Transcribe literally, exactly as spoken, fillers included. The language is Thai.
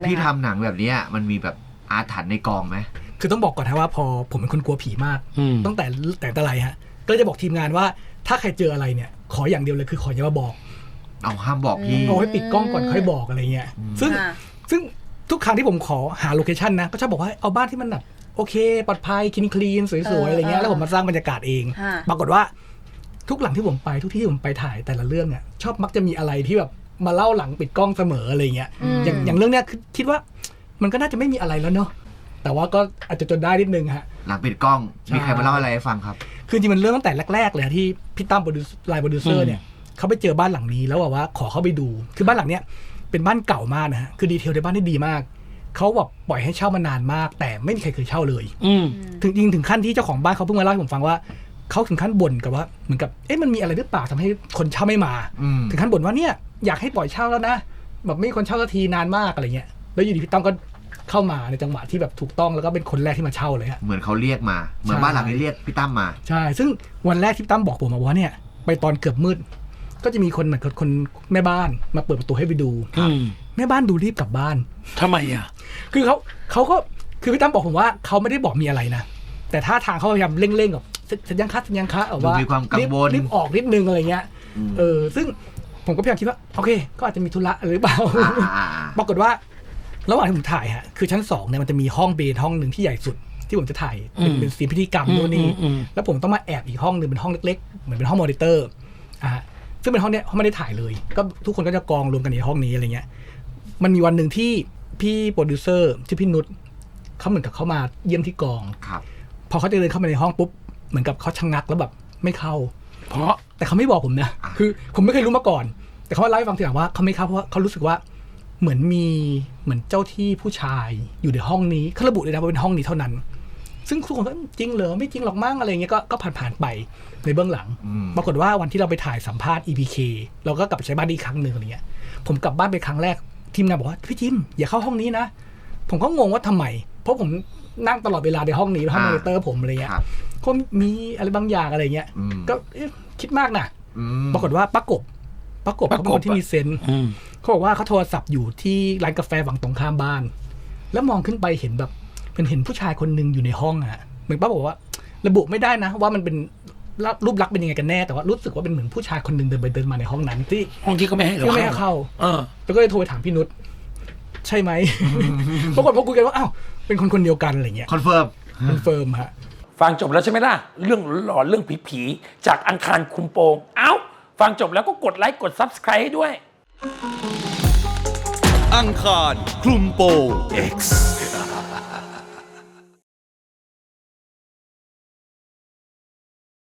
พี่ทำหนังแบบนี้มันมีแบบอาถรรพ์ในกองไหมคือต้องบอกก่อนนะว่าพอผมเป็นคนกลัวผีมากตั้งแต่แต่แต่ไรฮะก็จะบอกทีมงานว่าถ้าใครเจออะไรเนี่ยขออย่างเดียวเลยคือขออย่ามาบอกเอาห้ามบอกพี่เอาให้ปิดกล้องก่อนค่อยบอกอะไรเงี้ยซึ่งซึ่งทุกครั้งที่ผมขอหาโลเคชันนะก็ชอบบอกว่าเอาบ้านที่มันแบบโอเคปลอดภัยคลีนคลีนสวยๆอะไรเงี้ยแล้วผมมาสร้างบรรยากาศเองปรากฏว่าทุกหลังที่ผมไปทุกที่ที่ผมไปถ่ายแต่ละเรื่องเนี่ยชอบมักจะมีอะไรที่แบบมาเล่าหลังปิดกล้องเสมออะไรเงี้ยอย่างอย่างเรื่องเนี้ยคิดว่ามันก็น่าจะไม่มีอะไรแล้วเนาะแต่ว่าก็อาจจะจนได้นิดนึงฮะหลังปิดกล้องมีใครมาเล่าอะไรให้ฟังครับคือจริงมันเริ่มตั้งแต่แรกๆเลยที่พี่ตั้มโปรดิวไลน์โปรดิวเซอร์เนี่ยเขาไปเจอบ้านหลังนี้แล้วบอกว่าขอเข้าไปดูคือบ้านหลังเนี้ยเป็นบ้านเก่ามากนะฮะคือดีเทลในบ้านได้ดีมากเขาแบบปล่อยให้เช่ามานานมากแต่ไม่มีใครเคยเช่าเลยถึงจริงถึงขั้นที่เจ้าของบ้านเขาเพิ่งมาเล่าให้ผมฟังว่าเขาถึงขั้นบ่นกับว่าเหมือนกับเอ๊ะมันมีอะไรหรือเปล่าทำให้คนเช่าไม่มาถึงขั้นบ่นว่าเนี่ยอยากให้ปล่อยเช่าแล้วนะแบบไม่มีคนเช่าสักทีนานมากอะไรเงี้ยแล้วอยู่ดีพี่ตั้มก็เข้ามาในจังหวะที่แบบถูกต้องแล้วก็เป็นคนแรกที่มาเช่าเลยฮะเหมือนเขาเรียกมาเหมือนบ้านหลังนี้เรียกพี่ตั้มมาใช่ซึ่งวันแรกที่พี่ตั้มบอกผมมาว่าเนี่ยไปตอนเกือบมืดก็จะมีคนเหมือนคนแม่บ้านมาเปิดประตูให้ไปดูแม่บ้านดูรีบกลับบ้านทำไมอ่ะคือเขาเขาก็คือพี่ตั้มบอกผมว่าเขาไม่ได้บอกมีอะไรนะแต่ท่าทางเขาพยายามเร่งๆแบบสัญญาณคัดสัญญาณคัดว่ามีความกังวลรีบออกนิดนึงอะไรเงี้ยเออซึ่งผมก็พยายามคิดว่าโอเคก็อาจจะมีธุระหรือเปล่าปรากฏว่าระหว่างที่ผมถ่ายฮะคือชั้นสองเนี่ยมันจะมีห้องเบนห้องหนึ่งที่ใหญ่สุดที่ผมจะถ่ายเป็นเป็นซีนพิธีกรรมโน่นนี่แล้วผมต้องมาแอบอีกห้องหนึ่งเป็นห้องเล็กๆเหมือนเป็นห้องมอนิเตอร์อ่ะซึ่งเป็นห้องเนี้ยเขาไม่ได้ถ่ายเลยก็ทุกคนก็จะกองรวมกันในห้องนี้อะไรเงี้ยมันมีวันหนึ่งที่พี่โปรดิวเซอร์ที่พี่นุชเขาเหมือนกับเขามาเยี่ยมที่กองพอเขาจะเดินเข้ามาในห้องปุ๊บเหมือนกับเขาชะงักแล้วแบบไม่เข้าเพราะแต่เขาไม่บอกผมนะคือผมไม่เคยรู้มาก่อนแต่เขาเล่าให้ฟังทีหลังว่าเขาไม่เข้าเพราะว่าเขารู้สึกว่าเหมือนมีเหมือนเจ้าที่ผู้ชายอยู่ในห้องนี้เขาระบุเลยนะว่าเป็นห้องนี้เท่านั้นซึ่งทุกคนก็จริงเหรอไม่จริงหรอกมั้งอะไรเงี้ยก็ก็ผ่านๆไปในเบื้องหลังปรากฏว่าวันที่เราไปถ่ายสัมภาษณ์ อี พี เค เราก็กลับไปใช้บ้านอีกครั้งหนึ่งอะไรเงี้ยผมกลับบ้านไปครั้งแรกทีมงานบอกว่าพี่จิมอย่าเข้าห้องนี้นะผมก็งงว่าทำไมเพราะผมนั่งตลอดเวลาในห้องนี้ห้องมอนิเตอร์ผมอะไรเงี้ยก็มีอะไรบางอย่างอะไรเงี้ยก็คิดมากนะปรากฏว่าประกบประกบเขาเป็นคนที่มีเซนส์เขาบอกว่าเขาโทรศัพท์อยู่ที่ร้านกาแฟฝั่งตรงข้ามบ้านแล้วมองขึ้นไปเห็นแบบเป็นเห็นผู้ชายคนหนึ่งอยู่ในห้องอ่ะเหมือนป้าบอกว่าระบุไม่ได้นะว่ามันเป็นรูปลักษณ์เป็นยังไงกันแน่แต่ว่ารู้สึกว่าเป็นเหมือนผู้ชายคนหนึ่งเดินไปเดินมาในห้องนั้นที่ห้องที่ก็ไม่ให้เราไม่ให้เข้าแล้วก็เลยโทรไปถามพี่นุชใช่ไหมปรากฏพอคุยกันว่าอ้าวเป็นคนคนเดียวกันอะไรเงี้ยคอนเฟิร์มคอนเฟิร์มฮะฟังจบแล้วใช่ไหมล่ะเรื่องหลอนเรื่องผีๆจากอังคารคุมโปงเอ้าฟังจบแล้วก็กดไลค์กด ซับสไครบ์ ให้ด้วยอังคารคลุมโปง X